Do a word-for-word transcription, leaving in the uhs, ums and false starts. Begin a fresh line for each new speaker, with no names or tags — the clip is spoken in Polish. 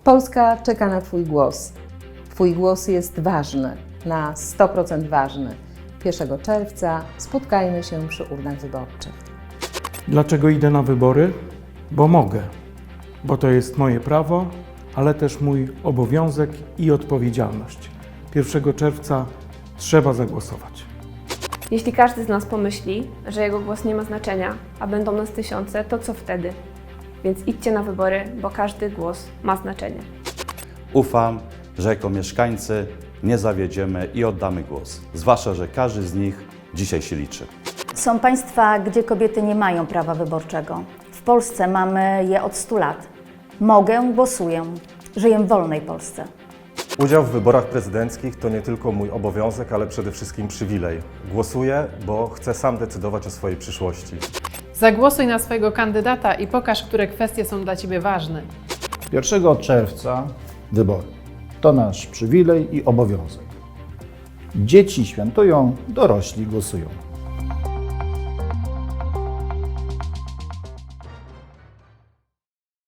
Polska czeka na Twój głos. Twój głos jest ważny, na sto procent ważny. pierwszego czerwca spotkajmy się przy urnach wyborczych.
Dlaczego idę na wybory? Bo mogę. Bo to jest moje prawo, ale też mój obowiązek i odpowiedzialność. pierwszego czerwca trzeba zagłosować.
Jeśli każdy z nas pomyśli, że jego głos nie ma znaczenia, a będą nas tysiące, to co wtedy? Więc idźcie na wybory, bo każdy głos ma znaczenie.
Ufam, że jako mieszkańcy nie zawiedziemy i oddamy głos. Zwłaszcza, że każdy z nich dzisiaj się liczy.
Są państwa, gdzie kobiety nie mają prawa wyborczego. W Polsce mamy je od stu lat. Mogę, głosuję. Żyję w wolnej Polsce.
Udział w wyborach prezydenckich to nie tylko mój obowiązek, ale przede wszystkim przywilej. Głosuję, bo chcę sam decydować o swojej przyszłości.
Zagłosuj na swojego kandydata i pokaż, które kwestie są dla Ciebie ważne.
pierwszego czerwca wybory. To nasz przywilej i obowiązek. Dzieci świętują, dorośli głosują.